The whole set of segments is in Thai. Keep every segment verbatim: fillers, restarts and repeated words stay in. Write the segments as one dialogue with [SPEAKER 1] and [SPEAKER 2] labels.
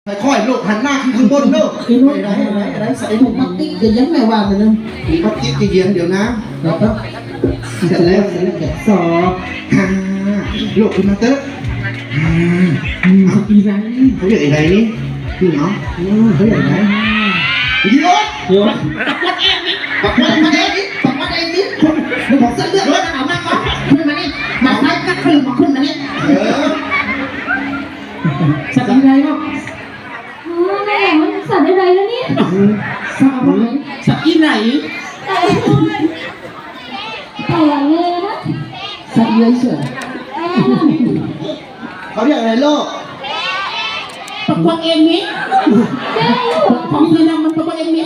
[SPEAKER 1] ค่อยๆลูกหันหน้าขึ้นข้างบนเนอะ
[SPEAKER 2] คือลูกอะไรอะไรอะไรใส่ถุงพลาสติกจะยั้งไม่ว่าเลยนะ
[SPEAKER 1] ปักกิ๊กจะเย็นเดี๋ยวนะ
[SPEAKER 2] แล้วก็
[SPEAKER 1] เสร็จแล้ว
[SPEAKER 2] เสร็จแล้วแกะสอบ
[SPEAKER 1] ฮ่าลูกคุณมาเตอร์ฮ่า
[SPEAKER 2] อืมอีไร
[SPEAKER 1] เขาเรียกอะไรนี่นี่เนาะเขาเรียกอะไรยีรถ
[SPEAKER 2] เดี๋ยว
[SPEAKER 1] ปักวัดมาเองนี่ปักวัดเองนี่เดี๋ยวบอกเส้นเลือดรถเอามาก่อนขึ้นมานี่มาไฟกัดขึ้นมาขึ้นมานี่เออ
[SPEAKER 2] สัตว์อะไรเนาะ
[SPEAKER 3] อ๋อแม่มันสัตว์อะไรแล้วเนี่ย
[SPEAKER 2] สัตว์อะไรสัตว์อีไหน
[SPEAKER 3] แต่แต่เลยนะ
[SPEAKER 2] สัตว์เลื้อยเฉย
[SPEAKER 1] เขาเรียกอะไรโลก
[SPEAKER 2] ปักวังเองนี้
[SPEAKER 3] แม่ลูก
[SPEAKER 2] ของที่นั่งมันปักวังเองนี้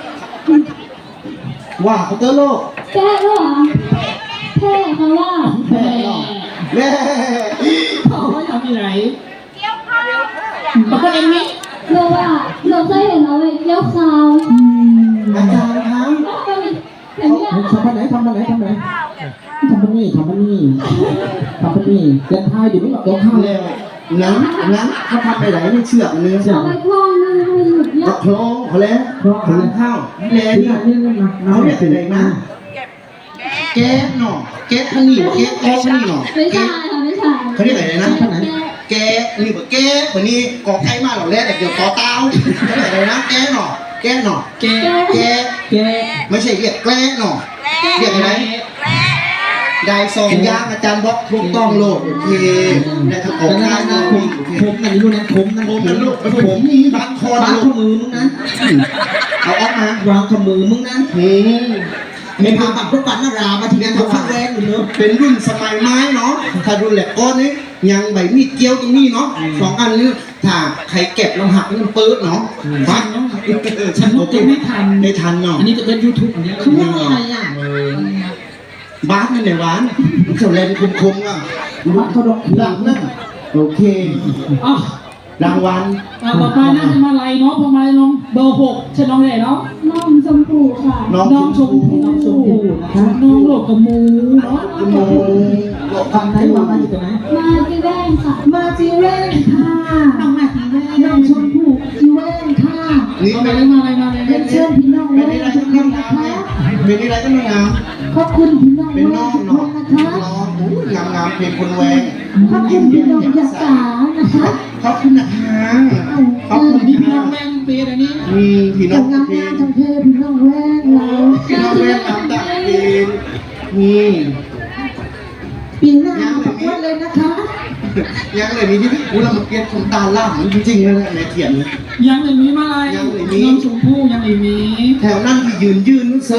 [SPEAKER 1] ว่าเขาเตอร์โลก
[SPEAKER 3] แก้ด้วยเหรอแพ้เขาว่า
[SPEAKER 2] แม่
[SPEAKER 1] แม่
[SPEAKER 2] เขาทำอีไหนปักวังเองนี้
[SPEAKER 3] เราว่าเราเคยเห็นเอาไว้เกี่ยวข้าว
[SPEAKER 1] อาจารย์ครับ
[SPEAKER 3] แล้วก็มีแบบเนี้ย
[SPEAKER 2] ทำไปไหนทำไปไหนทำไปไหนทำไปนี่ทำไปนี่ทำไปนี่เดินทายอยู่นี่แบบเดินทาย
[SPEAKER 1] แล้วนั้นนั้นเขาทำไปไหนไม่เชือกเนื้อ
[SPEAKER 3] เอาไปคล้องนึงให้หยุดเย
[SPEAKER 1] ก็
[SPEAKER 3] อะ
[SPEAKER 1] คล้องเขาแล้วคล้องข้าวแล้
[SPEAKER 2] นี่
[SPEAKER 1] นี่
[SPEAKER 2] นี่นี่นะ
[SPEAKER 1] เขาเรียกอะไรนะแก๊สหน่อแก๊สทั้งนี้แก๊สแก๊สทั้งนี้หน่อ
[SPEAKER 3] ไม่
[SPEAKER 1] แก๊
[SPEAKER 3] ใช่
[SPEAKER 1] ส
[SPEAKER 3] ค่ะไม่ใช่
[SPEAKER 1] เขาเรียกอะไรนะ
[SPEAKER 3] แก้
[SPEAKER 1] แก๊สนี่แบบแก๊สวันนี้กอไก่มาหล่อแรกเดี๋ยวกอเต้าเขาเรียกอะไรนะแก๊สหน่อแก๊สหน่อ
[SPEAKER 2] แก
[SPEAKER 1] แก๊ส
[SPEAKER 2] แก
[SPEAKER 1] ไม่ใช่เรียกแกล้หน่อเรียกอะไรได้สองยางอาจารย์บอกถูกต้องโลดโอเคได้ทั้งออก
[SPEAKER 2] นั่
[SPEAKER 1] ข้าง
[SPEAKER 2] น
[SPEAKER 1] น
[SPEAKER 2] นะ
[SPEAKER 1] อก
[SPEAKER 2] ผ
[SPEAKER 1] นี่
[SPEAKER 2] ม
[SPEAKER 1] โอเค
[SPEAKER 2] ผมนั่นรู้นะผมนั่น
[SPEAKER 1] ผมนั่นลูกผมนี่บันคอ
[SPEAKER 2] วาง
[SPEAKER 1] ลู
[SPEAKER 2] ข้อก มือมึงนั้น
[SPEAKER 1] เอาออกมาว
[SPEAKER 2] างข้อมือมึงนั้น
[SPEAKER 1] อืม
[SPEAKER 2] ไม่พาปักทุกปันนารามาทีนั้นทุกครั้งแรกอยู่เนอะ
[SPEAKER 1] เป็นรุ่นสมัยไม้เนาะถ้ารุ่นแหลกก้อนนี้ยังใบมีดเกี้ยวตรงนี้เนาะสองอันนี้ถ้าใครเก็บลำหักมันเปิดเนาะบัด
[SPEAKER 2] ฉันรู้จะไม่ทัน
[SPEAKER 1] ไม่ทันเนาะ
[SPEAKER 2] อันนี้จะเป็นยูทูบอันนี้คือว่าอะไรอ่ะ
[SPEAKER 1] บ้านนั่นแหละหวานเจ้าแรงคมคมๆอ่ะ
[SPEAKER 2] วัดเขาดอก
[SPEAKER 1] หลักนั่นโอเค
[SPEAKER 2] อ๋อ
[SPEAKER 1] รางวัล
[SPEAKER 4] ต่อไปน่าจะมาไล่เนาะพอมาน้องเบอร์หกใช่น้องไหนเนาะ
[SPEAKER 3] น้องชมพูค่ะ
[SPEAKER 1] น้อง
[SPEAKER 4] น้องชมพู่
[SPEAKER 2] น้องชมพู่นะครับ
[SPEAKER 4] น้องโหลกกับมูเนาะ
[SPEAKER 1] คุณโมหลบ
[SPEAKER 2] ทำไหนมามาอยู่ตรงไหน
[SPEAKER 3] มาจีแว่นค่ะ
[SPEAKER 2] มาจีเว่นค่ะน้องมาจีเว่นน้องชมพู่จีเว่นค่ะ
[SPEAKER 1] นี่
[SPEAKER 4] มา
[SPEAKER 1] เป็น
[SPEAKER 4] เลยมาเลยมาเลย
[SPEAKER 2] เรียนเชิญพี่น้อง
[SPEAKER 1] เป็น
[SPEAKER 2] เว่
[SPEAKER 1] อะไร
[SPEAKER 2] นทุ
[SPEAKER 1] ก็
[SPEAKER 2] กค
[SPEAKER 1] ไม่
[SPEAKER 2] น
[SPEAKER 1] งา
[SPEAKER 2] นะ
[SPEAKER 1] ม
[SPEAKER 2] คะ
[SPEAKER 1] เป็นอะไรก็ไม่งาม
[SPEAKER 2] ขอบคุณพี่น้อง
[SPEAKER 1] เป็น
[SPEAKER 2] เว่
[SPEAKER 1] น้อน ง
[SPEAKER 2] ทุกค
[SPEAKER 1] เนาะ
[SPEAKER 2] นนะคะ
[SPEAKER 1] น้องงามงามๆเป็นคนแวง
[SPEAKER 2] ขอบคุณพี่น้องยาสานะคะ
[SPEAKER 1] ขอบคุณนะคะขอบคุณ
[SPEAKER 4] นี่
[SPEAKER 1] ที่
[SPEAKER 4] พี่
[SPEAKER 1] พี่
[SPEAKER 4] น้
[SPEAKER 1] น้
[SPEAKER 4] อ
[SPEAKER 1] อง ง
[SPEAKER 4] แม่งเปียอันนี้
[SPEAKER 1] มีพี่น้อง
[SPEAKER 2] ทำงาน
[SPEAKER 1] เพล
[SPEAKER 2] งาง นทำเพลงพี่น้องแว่นเรา
[SPEAKER 1] พี่น้องแวงตามตาเพลงนี่
[SPEAKER 2] ปีหน้าขอบคุณเลยนะคะ
[SPEAKER 1] ยังเลยมีที่อู้เรามาเปลี่ยนคนตาล่ามันจริงๆเลยนะในเขียน
[SPEAKER 4] ยังเลยมีมาไล่
[SPEAKER 1] ยังเลยมี
[SPEAKER 4] น้องชมพู่ยังเลยมี
[SPEAKER 1] แถวนั่นที่ยืนยืนนู้นเซ